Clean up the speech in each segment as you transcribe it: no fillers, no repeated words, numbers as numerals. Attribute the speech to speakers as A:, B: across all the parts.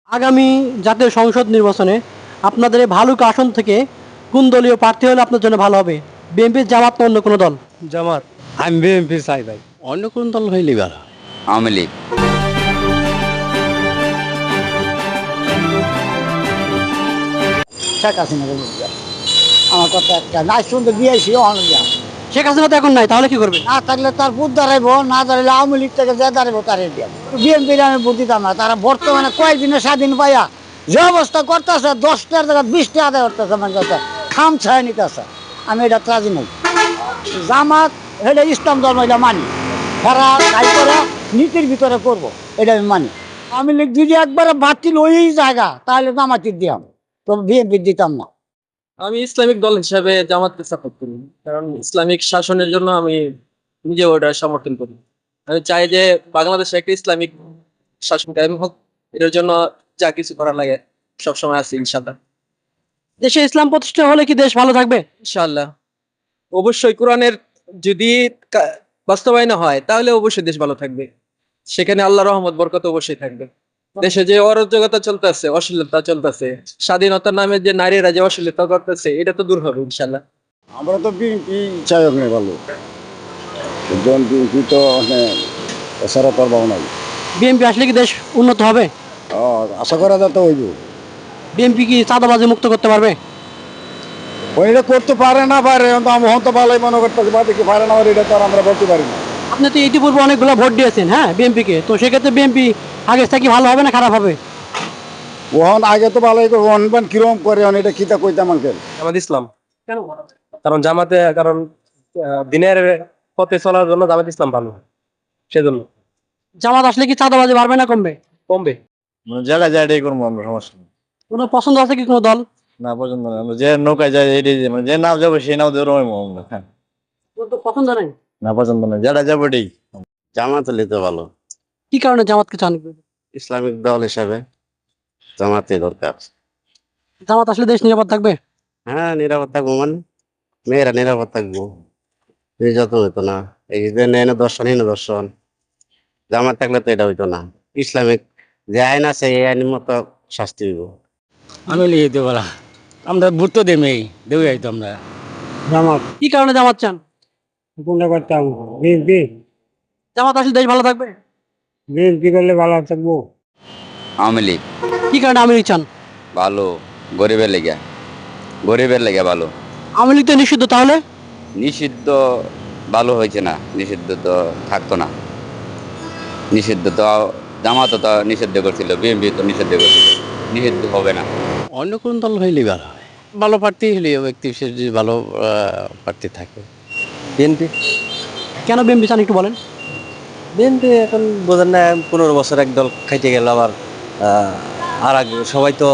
A: আগামী জাতীয় সংসদ নির্বাচনে আপনাদের এই ভালুক আসন থেকে কোন দলীয় প্রার্থী হলে আপনার জন্য ভালো হবে? বিএনপি, জামাত না অন্য কোনো দল?
B: জামাত। আমি বিএনপি চাই ভাই।
C: অন্য কোন দল হইলেই ভালো হয়।
D: আওয়ামী লীগ।
E: শেখ হাসিনা আমার কথা একটা না শুনতে দিয়েছি অনেক
A: শেখ হাসিনা তো এখন নাই, তাহলে কি করবে?
E: না থাকলে তার ভোট দাঁড়াইবো, না দাঁড়াইলে আওয়ামী লীগ থেকে যে দাঁড়াইবো তারে দিয়ে বিএনপির আমি ভোট দিতাম না। তারা বর্তমানে কয়েকদিনে স্বাধীন পাইয়া যে অবস্থা করতেছে 10টার জায়গায় 20টা আদায় করতেছে, মানে কথা খাম ছায় নিতেছে। আমি এটা রাজি নই। জামাত এটা ইসলাম ধর্ম, এটা মানি। তারা কাজ করে নীতির ভিতরে করবো, এটা আমি মানি। আওয়ামী লীগ যদি একবারে বাতিল ওই জায়গা তাহলে জামাতির দিয়াম, তো বিএনপির দিতাম না।
F: আমি ইসলামিক দল হিসাবে জামাতকে সাপোর্ট করি, কারণ ইসলামিক শাসনের জন্য আমি নিজে ওটা সমর্থন করি। আমি চাই যে বাংলাদেশে একটা ইসলামিক শাসন কায়েম হোক, এটার জন্য যা কিছু করা লাগে সবসময় আছে ইনশাল্লাহ।
A: দেশে ইসলাম প্রতিষ্ঠা হলে কি দেশ ভালো থাকবে?
F: ইনশাল্লাহ অবশ্যই কোরআনের যদি বাস্তবায়ন হয় তাহলে অবশ্যই দেশ ভালো থাকবে, সেখানে আল্লাহ রহমত বরকত অবশ্যই থাকবে। দেশে যে অরাজকতা চলতেছে, অশ্লীলতা চলতেছে, স্বাধীনতার নামে যে নারীরা যে অশ্লীলতা করতেছে, এটা তো দূর হবে ইনশাল্লাহ।
G: আমরা তো বিএনপি চাই ওখানে ভালো, বিএনপি তো এছাড়া তোর ভাবনা নাই।
A: বিএনপি আসলে কি দেশ উন্নত হবে?
G: আশা করা যায় তো হইব।
A: বিএনপি কি চাঁদাবাজি মুক্ত করতে পারবে?
G: ওইটা করতে পারে না পারে, আমি হয়তো ভালোই মনে করতেছি, বাদে কি পারে না পারে এটা তো আর আমরা বলতে পারি না।
A: আপনি তো ইতিপূর্বে অনেকগুলো ভোট দিয়েছেন, হ্যাঁ, বিএনপিকে। তো সেক্ষেত্রে বিএনপি আগে থেকে ভালো হবে না খারাপ হবে?
G: ওহন আগে তো ভালোই করবো, অনবান কিরম করে এটা কিতা কইতাম আঙ্কেল।
B: জামাত ইসলাম।
A: কেন?
B: কারণ দিনের পথে চলার জন্য জামাত ইসলাম ভালো, সেজন্য।
A: জামাত আসলে কি চাঁদাবাজি বাড়বে না কমবে?
B: কমবে।
G: যারা যায় এটাই করবো আমরা, সমস্যা নেই।
A: কোনো পছন্দ আছে কি কোনো দল?
G: না পছন্দ না, যে নৌকায় যায় এটাই, যে নাও যাবো সেই নাও দেবো আমরা। হ্যাঁ,
A: কোনো তো পছন্দ নেই?
G: না পছন্দ না, যারা যাবো এটাই।
C: জামাত হলে তো ভালো।
A: কি কারণে জামাতকে চান?
C: ইসলামিক দল হিসাবে জামাতে দরকার।
A: জামাত আসলে দেশ নিরাপদ থাকবে?
C: হ্যাঁ, নিরাপদ থাকবো মানে মেয়েরা নিরাপদ থাকবো, নির্যাতন হইতো না। এই যে নেন দর্শন হীন দর্শন, জামাত থাকলে তো এটা হইতো না। ইসলামিক যে আইন আছে এই আইনের মতো শাস্তি হইব।
H: আমি লিখে দেবো না, আমরা ভোট তো দেমেই দেবো যাইতো আমরা।
E: জামাত
A: কি কারণে জামাত চান?
E: কোনটা করতাম? বিএনপি।
A: জামাত আসলে দেশ ভালো থাকবে?
E: বিএনপি করলে ভালো থাকবো।
D: আওয়ামী লীগ
A: কি কারণে আওয়ামী লীগ চান?
D: ভালো, গরিবের লেগে, গরিবের লেগে ভালো।
A: আওয়ামী লীগ তো নিষিদ্ধ, তাহলে?
D: নিষিদ্ধ ভালো হয়েছে না, নিষিদ্ধ তো থাকতো না। নিষিদ্ধ তো জামাত তো নিষিদ্ধ করছিল, বিএনপি তো নিষিদ্ধ করছিল, নিষিদ্ধ হবে না।
C: অন্য কোন দল হইলেই ভালো হয়। ভালো প্রার্থী হইলে ব্যক্তি বিশেষ যদি ভালো প্রার্থী থাকে।
B: বিএনপি।
A: কেন বিএনপি চান একটু বলেন।
B: বিএনপি এখন বোঝেন না, 15 বছর এক দল খাইতে গেল, আবার আর আগে সবাই তো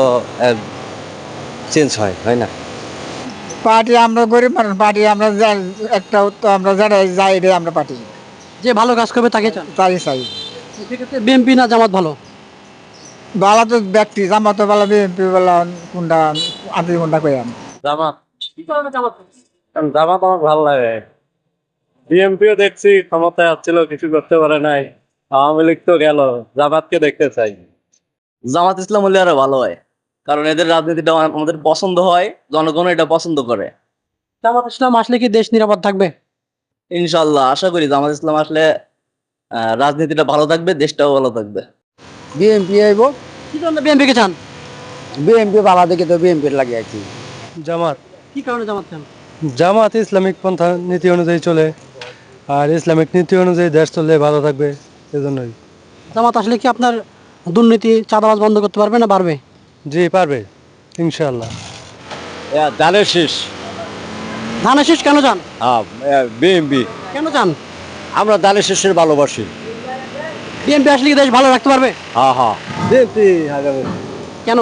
B: চেঞ্জ হয় না।
E: পার্টি আমরা গরিব মানুষ, পার্টি আমরা একটা তো আমরা যারা যাই এটাই আমরা পার্টি
A: যে ভালো কাজ করবে তাকে চান?
E: তাই চাই।
A: সেক্ষেত্রে বিএনপি না জামাত ভালো?
E: বালা তো ব্যক্তি, জামাত বালা, বিএনপি বালা, কোনটা আপনি কোনটা কই?
F: জামাত।
A: কি কারণে জামাত?
F: কারণ জামাত আমার ভালো লাগে। বিএনপিও দেখছি ক্ষমতায় আসছিল, কিছু করতে পারে নাই। আওয়ামী লীগ তো গেল, জামাতকে দেখতে চাই।
I: জামাত ইসলাম হলে আরো ভালো হয়, কারণ এদের রাজনীতিটা আমাদের পছন্দ হয়, জনগণ এটা পছন্দ করে।
A: জামাত ইসলাম আসলে কি দেশ নিরাপদ থাকবে?
I: ইনশাল্লাহ আশা করি জামাত ইসলাম আসলে রাজনীতিটা ভালো থাকবে, দেশটাও ভালো থাকবে।
E: বিএনপি আইব।
A: কি কারণে বিএনপি কে চান?
E: বিএনপি বালা দেখে তো বিএনপির লাগে আছি।
B: জামাত।
A: কি কারণে জামাত চান?
B: জামাত ইসলামিক পন্থা নীতি অনুযায়ী চলে, আর ইসলামিক নীতি অনুযায়ী দেশ চললে ভালো থাকবে, এজন্যই।
A: জামাত আসলে কি আপনার দুর্নীতি, চাঁদাবাজ বন্ধ করতে পারবে না বাড়বে?
B: জি পারবে, ইনশাআল্লাহ।
G: ধানের শেষ।
A: ধানের শীষ কেন চান?
G: বিএনপি,
A: কেন চান?
G: আমরা ধানের শেষের ভালোবাসি।
A: বিএনপি আসলে কি দেশ ভালো রাখতে পারবে?
G: হ্যাঁ হ্যাঁ,
B: বিএনপি আগামী
A: কেন?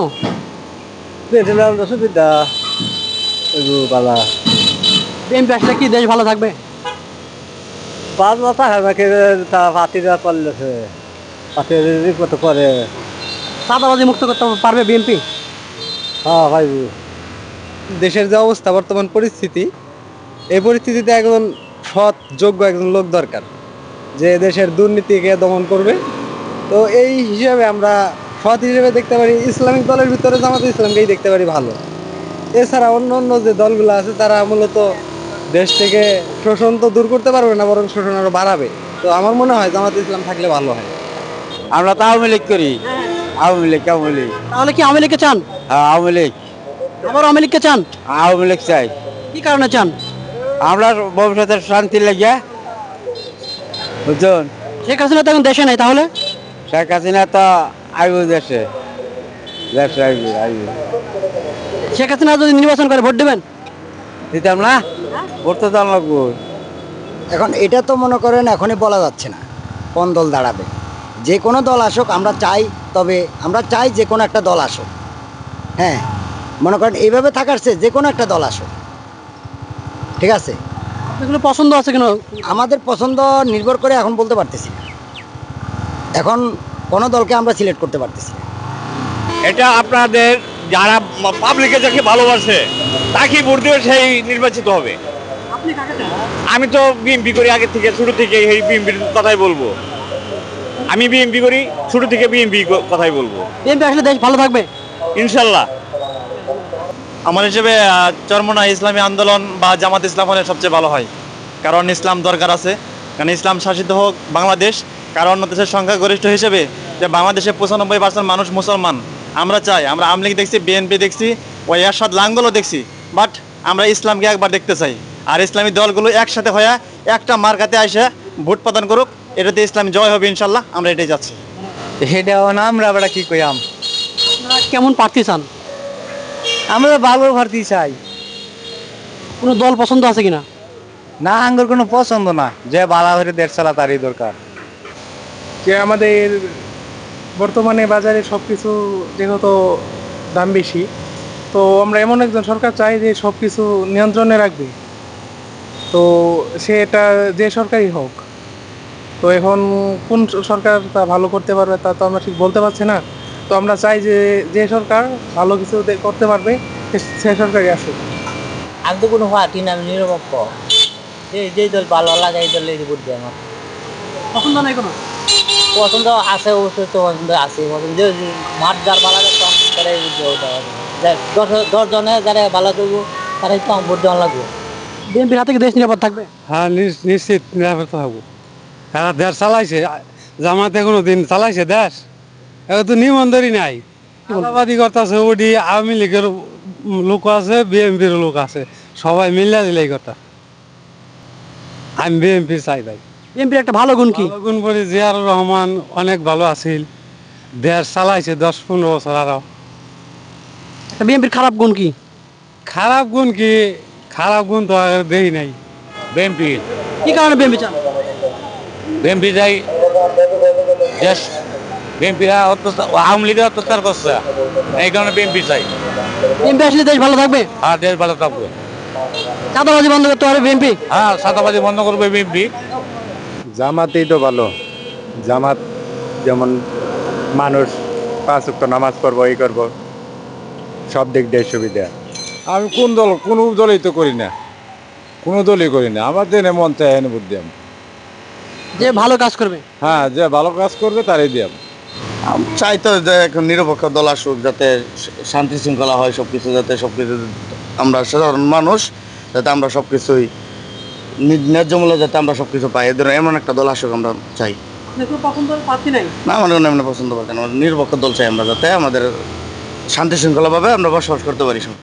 B: সুবিধা বালা
A: বিএনপি আসলে কি দেশ ভালো থাকবে?
B: 5 মাথা আমাকে তা পাতিরা করলেছে, পাতির কত করে।
A: চাঁদাবাজি মুক্ত করতে পারবে বিএনপি?
B: হ্যাঁ ভাই, দেশের যে অবস্থা বর্তমান পরিস্থিতি, এই পরিস্থিতিতে একজন সৎ যোগ্য একজন লোক দরকার, যে দেশের দুর্নীতিকে দমন করবে। তো এই হিসাবে আমরা সৎ হিসেবে দেখতে পারি ইসলামিক দলের ভিতরে জামাত ইসলামকেই দেখতে পারি ভালো। এছাড়া অন্য অন্য যে দলগুলো আছে তারা মূলত দেশ থেকে শোষণ তো দূর করতে পারবে না, বরং শোষণ আরো বাড়াবে। তো আমার মনে হয় জামাত ইসলাম থাকলে ভালো হয়।
C: আমরা তো আওয়ামী লীগ করি, আওয়ামী লীগ
A: তাহলে কি আওয়ামী লীগকে চান?
C: আওয়ামী লীগ
A: আবার আওয়ামী লীগকে চান?
C: আওয়ামী লীগ চাই।
A: কি কারণে চান?
C: আমরা ভবিষ্যতের শান্তি লেগে, বুঝছেন?
A: শেখ হাসিনা তো এখন দেশে নাই, তাহলে
C: শেখ হাসিনা তো আইব দেশে, দেশে আইবে।
A: শেখ হাসিনা যদি নির্বাচন করে ভোট দেবেন?
C: দিতাম না, ভোট তো দাম লাগবো।
E: এখন এটা তো মনে করেন এখনই বলা যাচ্ছে না কোন দল দাঁড়াবে। যে কোনো দল আসুক আমরা চাই, তবে আমরা চাই যে কোনো একটা দল আসুক। হ্যাঁ, মনে করেন এইভাবে থাকার চেয়ে যে কোনো একটা দল আসুক, ঠিক আছে।
A: এগুলো পছন্দ আছে কেন?
E: আমাদের পছন্দ নির্ভর করে এখন বলতে পারতেছি না। এখন কোনো দলকে আমরা সিলেক্ট করতে পারতেছি না।
J: এটা আপনাদের যারা পাবলিকে যাকে ভালোবাসে তাকে ভোট দেবে, সেই নির্বাচিত হবে।
A: আপনি কাকে চান?
J: আমি তো বিএমপি করি আগে থেকে, শুরু থেকে এই বিএমপির কথাই বলবো। আমি বিএমপি করি, শুরু থেকে বিএমপি কথাই বলবো।
A: বিএনপি আসলে দেশ ভালো থাকবে
J: ইনশাল্লাহ।
K: আমার হিসেবে চরমোনা ইসলামী আন্দোলন বা জামাত ইসলাম হলে সবচেয়ে ভালো হয়, কারণ ইসলাম দরকার আছে। কারণ ইসলাম শাসিত হোক বাংলাদেশ, কারণ অন্য দেশের সংখ্যাগরিষ্ঠ হিসেবে যে বাংলাদেশে 95% মানুষ মুসলমান। আমরা চাই, আমরা আওয়ামী লীগ দেখছি, বিএনপি দেখছি, ওই এরশাদ লাঙ্গলও দেখছি, বাট আমরা ইসলামকে একবার দেখতে চাই। আর ইসলামী দলগুলো একসাথে হয়ে একটা মার্কাতে এসে ভোট প্রদান করুক, এটাতে ইসলাম জয় হবে ইনশাল্লাহ। আমরা এটাই যাচ্ছি।
B: এটাও না, আমরা আবার কি কইয়াম,
A: আপনারা কেমন প্রার্থী চান?
B: আমরা ভালো প্রার্থী চাই।
A: কোনো দল পছন্দ আছে কিনা?
B: না, আঙ্গুর কোনো পছন্দ না, যে বালা হয়ে দেশ চালা তারই দরকার।
L: যে আমাদের বর্তমানে বাজারে সব কিছু যেহেতু দাম বেশি, তো আমরা এমন একজন সরকার চাই যে সব কিছু নিয়ন্ত্রণে রাখবে। তো সেটা যে সরকারই হোক, তো এখন কোন সরকার তা ভালো করতে পারবে তা তো আমরা ঠিক বলতে পারছি না। তো আমরা চাই যে যে সরকার ভালো কিছু করতে পারবে সে সরকারই আসুক।
E: আমি তো কোনো পার্টি না, আমি নিরপেক্ষ। যে দল ভালো লাগে এই দলে ভোট দেয়। আমার
A: পছন্দ নাই কোনো?
E: পছন্দ আছে, অবশ্যই তো পছন্দ আছে। পছন্দ মাঠ যার ভালো লাগে তারাই ভোট দেওয়া হবে। 10 জনে যারা ভালো করবো তারাই তো ভোট দেওয়া লাগবে।
A: বিএনপির হাতে কি দেশ নিরাপদ থাকবে?
B: হ্যাঁ, নিশ্চিত নিরাপদ থাকবো। এরা দেশ চালাইছে, জামাতে কোনো দিন চালাইছে দেশ? এখন তো নিবন্ধনই নাই, চাঁদাবাদি করতেছে। ওডি আওয়ামী লীগের লোক আছে, বিএনপির লোক আছে, সবাই মিলে দিলে এই কথা। আমি বিএনপি চাই ভাই।
A: বিএনপির একটা ভালো গুণ কি?
B: ভালো গুণ বলি, জিয়াউর রহমান অনেক ভালো আছিল, দেশ চালাইছে 10-15 বছর। আরো
A: একটা বিএনপির খারাপ গুণ কি?
B: খারাপ গুণ কি? খারাপ গুণ তো আর দেই নাই।
K: বিএমপি
A: কি কারণে বিএনপি চান?
K: বিএমপি যাই, দেশ বিএমপি অত্যাচার, আওয়ামী লীগের অত্যাচার করছে, এই কারণে বিএমপি চাই।
A: বিএনপি আসলে দেশ ভালো থাকবে?
K: আর দেশ ভালো থাকবে।
A: চাঁদাবাজি বন্ধ করতে পারবে বিএনপি?
K: হ্যাঁ, সাদাবাজি বন্ধ করবে বিএমপি।
G: জামাতেই তো ভালো। জামাত যেমন মানুষ 5 ওয়াক্ত নামাজ পড়বো, এই করবো, সব দিক দিয়ে সুবিধা। আমি কোনো দলই তো করি না, কোনো দলই করি না। আমার দেনে মন চায় এনে ভোট দিয়াম।
A: যে ভালো কাজ করবে?
G: হ্যাঁ, যে ভালো কাজ করবে তারই দিয়াম।
C: চাই তো যে এখন নিরপেক্ষ দল আসুক, যাতে শান্তি শৃঙ্খলা হয়, সবকিছু যাতে সবকিছু আমরা সাধারণ মানুষ যাতে আমরা সবকিছুই ন্যায্য মূল্যে যাতে আমরা সবকিছু পাই, এদের এমন একটা দল আসুক আমরা চাই।
A: পছন্দের প্রার্থী নাই?
C: না, আমাদের এমন পছন্দ পাই না, নিরপেক্ষ দল চাই আমরা, যাতে আমাদের শান্তি শৃঙ্খলাভাবে আমরা বসবাস করতে পারি।